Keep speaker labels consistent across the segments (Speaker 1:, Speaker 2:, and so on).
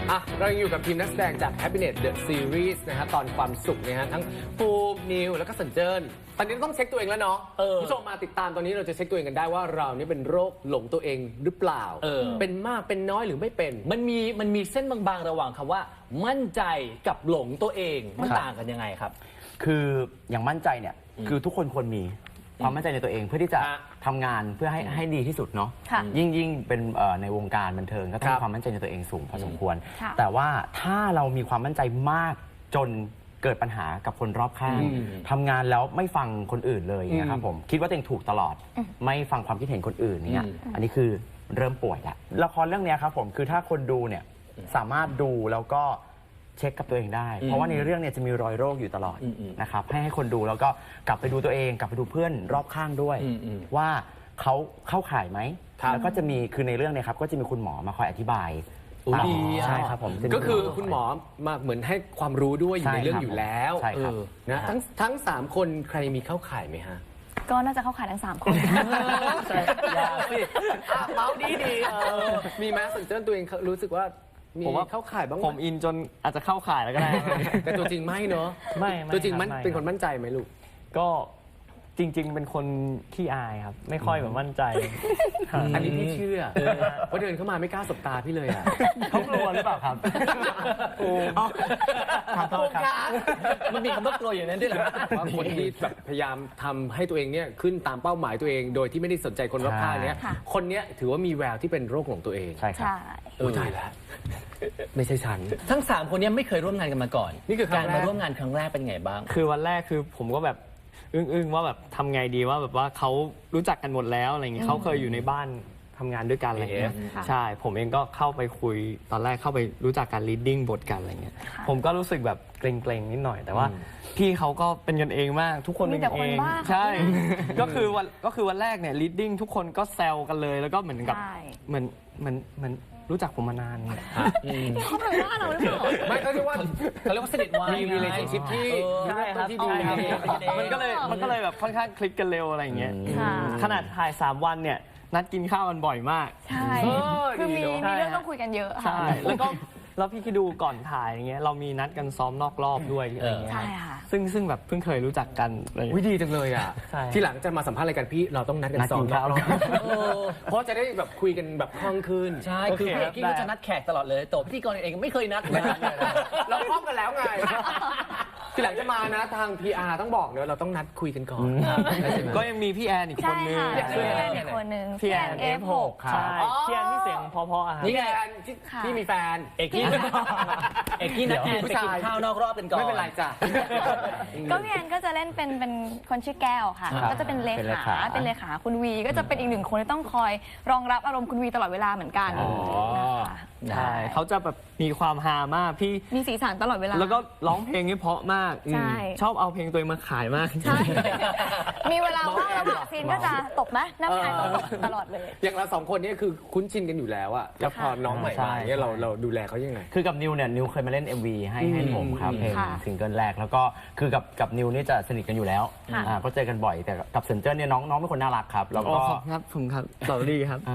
Speaker 1: เรายังอยู่กับทีมนักแสดงจาก Happiness The Series นะฮะตอนความสุขนะฮะทั้งปูมนิวแล้วก็สัญเจิญตอนนี้ต้องเช็คตัวเองแล้วเนาะคุณผู้ชมมาติดตามตอนนี้เราจะเช็คตัวเองกันได้ว่าเรานี่เป็นโรคหลงตัวเองหรือเปล่าเป็นมากเป็นน้อยหรือไม่เป็น
Speaker 2: มันมีเส้นบางๆระหว่างคำว่ามั่นใจกับหลงตัวเองมันต่างกันยังไงครับ
Speaker 3: คืออย่างมั่นใจเนี่ยคือทุกคนควรมีความมั่นใจในตัวเองเพื่อที่จะทำงานเพื่อให้ดีที่สุดเนาะยิ่งเป็นในวงการบันเทิงก็ต้องมีความมั่นใจในตัวเองสูงพอสมควรแต่ว่าถ้าเรามีความมั่นใจมากจนเกิดปัญหากับคนรอบข้างทำงานแล้วไม่ฟังคนอื่นเลยนะครับผมคิดว่าตัวเองถูกตลอดไม่ฟังความคิดเห็นคนอื่นเนี่ยอันนี้คือเริ่มป่วยแล้วละครเรื่องนี้ครับผมคือถ้าคนดูเนี่ยสามารถดูแล้วก็เช็คกับตัวเองได้เพราะว่าในเรื่องเนี่ยจะมีรอยโรคอยู่ตลอดนะครับให้คนดูแล้วก็กลับไปดูตัวเองกลับไปดูเพื่อนรอบข้างด้วยว่าเขาเข้าข่ายไหมแล้วก็จะมีคือในเรื่องเนี่ยครับก็จะมีคุณหมอมาคอยอธิบายใช่ครับผม
Speaker 1: ก็คือคุณหมอมาเหมือนให้ความรู้ด้วยอยู่ในเรื่องอยู่แล้วนะทั้ง3คนใครมีเข้าข่ายไหมฮะ
Speaker 4: ก็น่าจะเข้าข่ายทั้ง3คน
Speaker 1: อย่าสิเมาดีมีไหมสัญเจิญตัวเองรู้สึกว่ามีเข้าข่ายบ้าง
Speaker 5: ผมอินจนอาจจะเข้าข่ายแล้วก็ได้
Speaker 1: แต่ตัวจริงไม่เนาะ
Speaker 5: ไม่
Speaker 1: ตัวจริงมันเป็นคนมั่นใจไหมลูก
Speaker 5: ก็จริงๆเป็นคนขี้อายครับไม่ค่อยแบบมั่นใจ
Speaker 1: อันนี้พี่เชื่อเพราะเดินเข้ามาไม่กล้าสบตาพี่เลยอ่ะ
Speaker 5: เขากลัวหรือเปล่าครับ
Speaker 1: โอ้
Speaker 5: ขอโทษครับ
Speaker 2: มันมีคำว่ากลัวอย่างนั้นด้วยเหรอ
Speaker 1: ว่าคนที่แบบพยายามทำให้ตัวเองเนี่ยขึ้นตามเป้าหมายตัวเองโดยที่ไม่ได้สนใจคนรอบข้างเนี้ยคนเนี้ยถือว่ามีแววที่เป็นโรคหลงตัวเอง
Speaker 3: ใช่ครับ
Speaker 1: ตายแล้วไม่ใช่ฉัน
Speaker 2: ทั้ง3คนนี้ไม่เคยร่วมงานกันมาก่อนนี่คือการมาร่วมงานครั้งแรกเป็นไงบ้าง
Speaker 5: คือวันแรกคือผมก็แบบอึ้งว่าแบบทำไงดีว่าแบบว่าเขารู้จักกันหมดแล้วอะไรอย่างเงี้ยเขาเคยอยู่ในบ้านทำงานด้วยกันอะไรเงี้ยใช่ผมเองก็เข้าไปคุยตอนแรกเข้าไปรู้จักการ reading บทกันอะไรเงี้ยผมก็รู้สึกแบบเกรงๆนิดหน่อยแต่ว่าพี่เขาก็เป็นกันเองมากทุกคนเป็นกันเองใช่ก็คือวันแรกเนี่ย reading ทุกคนก็แซวกันเลยแล้วก็เหมือนกับเหมือนรู้จักผมมานานเนี่ย
Speaker 4: เขาเป็นว่าเราหรือเปล่า
Speaker 1: ไม่เขาเรียกว่า
Speaker 2: สนิทวาย
Speaker 1: มี relationship ที่
Speaker 5: ใช่ครับที่ดีมันก็เลยแบบค่อนข้างคลิกกันเร็วอะไรอย่างเงี้ยขนาดถ่าย3 วันเนี่ยนัดกินข้าวกันบ่อยมาก
Speaker 4: ใช่คือมีเรื่องต้องคุยกันเยอะ
Speaker 5: ใช่แล้วพี่คิดดูก่อนถ่ายอย่างเงี้ยเรามีนัดกันซ้อมนอกรอบด้วยอะไรเงี้ย
Speaker 4: ใช่ค่ะ
Speaker 5: ซึ่งแบบเพิ่งเคยรู้จักกัน
Speaker 1: วิดีจังเลยอ่ะที่หลังจะมาสัมภาษณ์รายการพี่เราต้องนัดกันซ้อมนอกรอบเพราะจะได้แบบคุยกันแบบคล่องขึ้น
Speaker 2: ใช่คือพี่เอกกี้ก็จะนัดแขกตลอดเลยตัวพิธีกรเองไม่เคยนัด
Speaker 1: เราคล่องกันแล้วไงที่หลังจะมานะทาง PR ต้องบอกเนอะเราต้องนัดคุยกันก่อน
Speaker 5: ก็ยังมีพี่แอนอีกคนนึง
Speaker 4: พี่แอนอีกคนนึง
Speaker 5: พี่แอน F6 ใช่พี่แอนที่เสียงพอๆ
Speaker 1: นี่ไงที่มีแฟน
Speaker 2: เอกกี้นัดแอนไปกินข้าวนอกรอบกันก่อน
Speaker 1: ไม่เป็นไรจ้ะ
Speaker 4: ก็พี่แอนก็จะเล่นเป็นคนชื่อแก้วค่ะก็จะเป็นเลขาคุณวีก็จะเป็นอีก1 คนที่ต้องคอยรองรับอารมณ์คุณวีตลอดเวลาเหมือนกัน
Speaker 5: ใช่เขาจะแบบมีความฮามากพี่
Speaker 4: มีสีสันตลอดเวลา
Speaker 5: แล้วก็ร้องเพลงนี่เพราะมากชอบเอาเพลงตัวเองมาขายมาก
Speaker 4: ใช่มีเวลาว่างแล้วซีนก็จะตบไหมน้ำชายตบตลอดเลย
Speaker 1: อย่างเรา2 คนนี้คือคุ้นชินกันอยู่แล้วอะแล้วพอน้องใหม่มาเนี่ยเราดูแลเขายังไง
Speaker 3: คือกับนิวเนี่ยนิวเคยมาเล่น MV ให้ผมครับเพลงซิงเกิลแรกแล้วก็คือกับนิวนี่จะสนิทกันอยู่แล้วก็เจอกันบ่อยแต่กับเซนเจอร์เนี่ยน้องเป็นคนน่ารักครับแล้วก็
Speaker 5: ครับผมครับสวัสดีครับ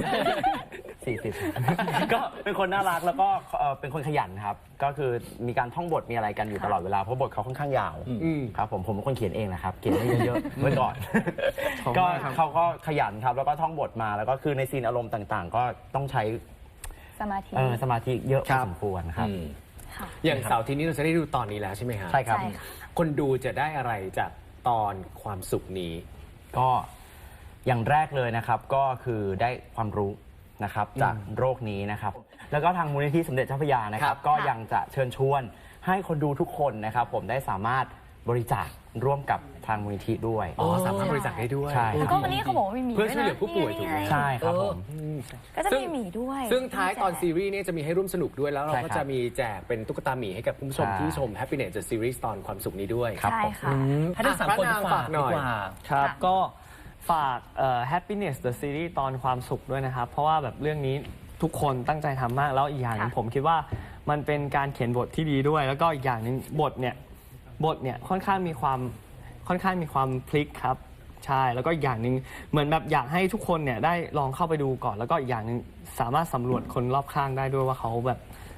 Speaker 3: 40ก็เป็นคนน่ารักแล้วก็เป็นคนขยันครับก็คือมีการท่องบทมีอะไรกันอยู่ตลอดเวลาเพราะบทเขาค่อนข้างยาวครับผมเป็นคนเขียนเองนะครับเขียนให้เยอะๆไว้ก่อนก็เขาก็ขยันครับแล้วก็ท่องบทมาแล้วก็คือในซีนอารมณ์ต่างๆก็ต้องใช้สมาธิเยอะพอสมควรครับ
Speaker 1: อย่างเสาร์อาทิตย์นี้เราจะได้ดูตอนนี้แล้วใช่ไหมครับ
Speaker 3: ใช่ครับ
Speaker 1: คนดูจะได้อะไรจากตอนความสุขนี้
Speaker 3: ก็อย่างแรกเลยนะครับก็คือได้ความรู้นะครับจากโรคนี้นะครับแล้วก็ทางมูลนิธิสมเด็จเจ้าพระยานะครับก็ยังจะเชิญชวนให้คนดูทุกคนนะครับผมได้สามารถบริจาคร่วมกับทางมูลนิธิด้วย
Speaker 1: สามารถบริจาคได้ด้วย
Speaker 3: ใช่
Speaker 4: แล้วก็วันนี้เขาบอกว่ามีหมี
Speaker 1: เพื่อช่วยเหลือผู้ป่วยถูกไหม
Speaker 3: ใช่ครับผม
Speaker 4: ก็จะมีหมีด้วย
Speaker 1: ซึ่งท้ายตอนซีรีส์นี้จะมีให้ร่วมสนุกด้วยแล้วเราก็จะมีแจกเป็นตุ๊กตาหมีให้กับคุณผู้ชมที่ชม Happiness The Series ตอนความสุขนี้ด้วย
Speaker 4: ใช่ค่ะ
Speaker 2: ให้ทั้ง3 คนฝากหน่อย
Speaker 5: ครับก็ฝากHappiness The Series ตอนความสุขด้วยนะครับเพราะว่าแบบเรื่องนี้ทุกคนตั้งใจทำมากแล้วอีกอย่างนึงผมคิดว่ามันเป็นการเขียนบทที่ดีด้วยแล้วก็อีกอย่างนึงบทเนี่ยค่อนข้างมีความพลิกครับใช่แล้วก็อีกอย่างนึงเหมือนแบบอยากให้ทุกคนเนี่ยได้ลองเข้าไปดูก่อนแล้วก็อีกอย่างนึงสามารถสำรวจคนรอบข้างได้ด้วยว่าเขาแบบ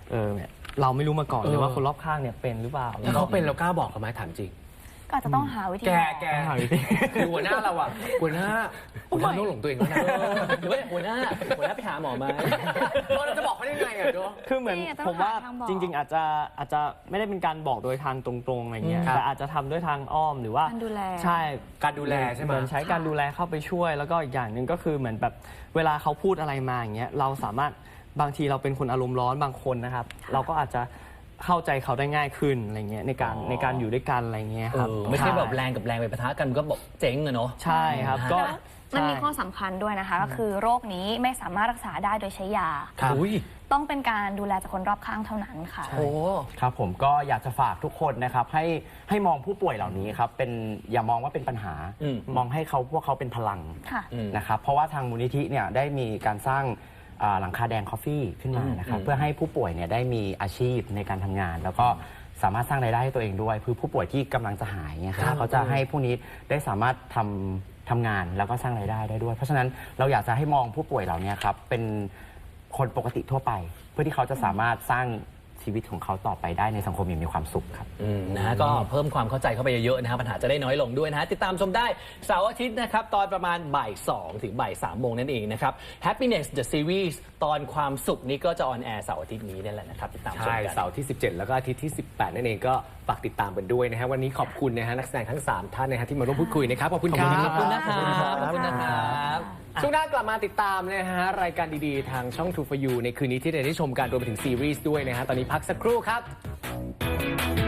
Speaker 5: เนี่ยเราไม่รู้มาก่อนเลยว่าคนรอบข้างเนี่ยเป็นหรือเปล่า
Speaker 1: ถ้าเขาเป็นเรากล้าบอกเขาไหมถามจริง
Speaker 4: ก็อาจจะต้องหาวิธี
Speaker 1: แก
Speaker 4: บอก
Speaker 1: แกคือหัวหน้าเราอะหัวหน้าผมทำโรคหลงตัวเองแล้วนะ
Speaker 2: หรือว่าหัวหน้าไปหาหมอไหม
Speaker 1: เราจะบอกเขาได้ไงอะโจ้
Speaker 5: คือเหมือน
Speaker 4: นี่ต้อง
Speaker 5: ผมว่า
Speaker 4: หาทางบอก
Speaker 5: จริง ๆ อาจจะไม่ได้เป็นการบอกโดยทางตรงๆอะไรเงี้ย
Speaker 1: ครับ
Speaker 5: แต่อาจจะทำด้วยทางอ้อมหรือว่า
Speaker 4: การดูแล
Speaker 5: ใช่
Speaker 1: การดูแลใช่ไหม
Speaker 5: เหมือนใช้การดูแลเข้าไปช่วย แล้วก็อีกอย่างหนึ่งก็คือเหมือนแบบเวลาเขาพูดอะไรมาอย่างเงี้ยเราสามารถบางทีเราเป็นคนอารมณ์ร้อนบางคนนะครับ เราก็อาจจะเข้าใจเขาได้ง่ายขึ้นอะไรเงี้ยในการอยู่ด้วยกันอะไรเงี้ยครับ
Speaker 2: ไม่ใช่แบบแรงกับแรงไปปะทะกันก็บอกเจ๊งอะเนาะ
Speaker 5: ใช่ครับก็
Speaker 4: มันมี
Speaker 5: ใช่
Speaker 4: ข้อสำคัญด้วยนะคะ ก็คือโรคนี้ไม่สามารถรักษาได้โดยใช้ยา
Speaker 1: ครับ
Speaker 2: อุ้ย
Speaker 4: ต้องเป็นการดูแลจากคนรอบข้างเท่านั้นค่ะ
Speaker 2: โอ้
Speaker 3: ครับผมก็อยากจะฝากทุกคนนะครับให้มองผู้ป่วยเหล่านี้ครับเป็นอย่ามองว่าเป็นปัญหา มองให้พวกเขาเป็นพลัง
Speaker 4: ค่ะ
Speaker 3: นะครับเพราะว่าทางมูลนิธิเนี่ยได้มีการสร้างหลังคาแดงคอฟฟี่ขึ้นมานะครับเพื่อให้ผู้ป่วยเนี่ยได้มีอาชีพในการทำงาน แล้วก็สามารถสร้างรายได้ให้ตัวเองด้วยคือผู้ป่วยที่กำลังจะหายเนี่ยครับเขาจะให้ผู้นี้ได้สามารถทำงานแล้วก็สร้างรายได้ได้ด้วย เพราะฉะนั้นเราอยากจะให้มองผู้ป่วยเหล่านี้ครับเป็นคนปกติทั่วไป เพื่อที่เขาจะสามารถสร้างชีวิตของเขาต่อไปได้ในสังคมอย่างมีความสุขครับ
Speaker 2: นะฮะก็เพิ่มความเข้าใจเข้าไปเยอะๆนะฮะปัญหาจะได้น้อยลงด้วยนะฮะติดตามชมได้เสาร์อาทิตย์นะครับตอนประมาณบ่าย2ถึงบ่าย3โมงนั่นเองนะครับ Happiness the Series ตอนความสุขนี้ก็จะออนแอร์เสาร์อาทิตย์นี้นั่นแหละนะครับติดตามชม
Speaker 1: ใช่
Speaker 2: กัน
Speaker 1: เสาร์ที่ 17 แล้วก็อาทิตย์ที่ 18 นั่นเองก็ฝากติดตามกันด้วยนะฮะวันนี้ขอบคุณนะฮะนักแสดงทั้ง 3 ท่านนะฮะที่มาร่วมพูดคุยนะครับขอบคุณครับ
Speaker 2: ขอบคุณนะครับขอบคุณนะครับ
Speaker 1: ช่วงหน้ากลับมาติดตามนะฮะรายการดีๆ ทางช่อง True for You ในคืนนี้ที่ได้ชมกันรวมไปถึงซีรีส์ด้วยนะฮะตอนนี้พักสักครู่ครับ